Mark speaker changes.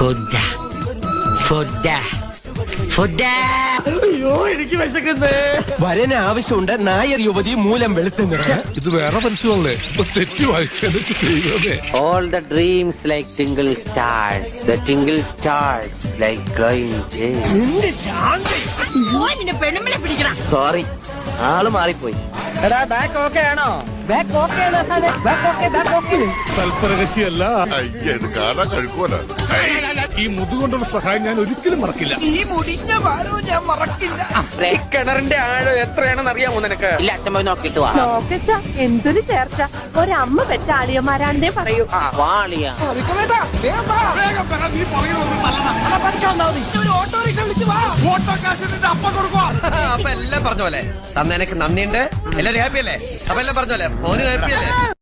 Speaker 1: Food food food. അയ്യോ എനിക്ക് വിശക്കുന്നേ.
Speaker 2: വരന് ആവശ്യമുണ്ട് നായർ യുവതി മൂലം വെളുത്തുന്നു.
Speaker 3: ഇത് വേറെ പരസ്യമല്ലേ? ഇപ്പൊ തെറ്റി വായിച്ചേ.
Speaker 1: All the dreams like tingle stars, the tingle stars like glowing gems. Sorry, ആള് മാറിപ്പോയി.
Speaker 4: എടാ ബാക്ക് ഓക്കെ ആണോ? ബാക്ക് ഓക്കെ ആണ് സാറേ. Back okay, back okay.
Speaker 3: തൽപരകശിയല്ല.
Speaker 5: ഇത് കാണാൻ കഴിക്കുമല്ലോ.
Speaker 3: ഈ മുതുകൊണ്ടുള്ള സഹായം ഞാൻ ഒരിക്കലും മറക്കില്ല.
Speaker 4: ഈ മുടിഞ്ഞ ഭാരവും ഞാൻ മറക്കില്ല.
Speaker 1: ഈ
Speaker 4: കിണറിന്റെ ആഴം എത്രയാണെന്ന് അറിയാമോ നിനക്ക്?
Speaker 1: ഇല്ല, അച്ഛൻ പോയി നോക്കിട്ട് വാ.
Speaker 6: നോക്കച്ച എന്തൊരു ചേർച്ച. ഒരമ്മ പെറ്റ ആളിയന്മാരാണെന്നേ പറയൂ.
Speaker 1: വാളിയ
Speaker 4: അപ്പൊ എല്ലാം പറഞ്ഞ പോലെ തന്നെ എനിക്ക് നന്ദിയുണ്ട്. എല്ലാരും ഹാപ്പി അല്ലേ? അപ്പൊ എല്ലാം പറഞ്ഞ പോലെ മോന് ഹാപ്പി അല്ലേ?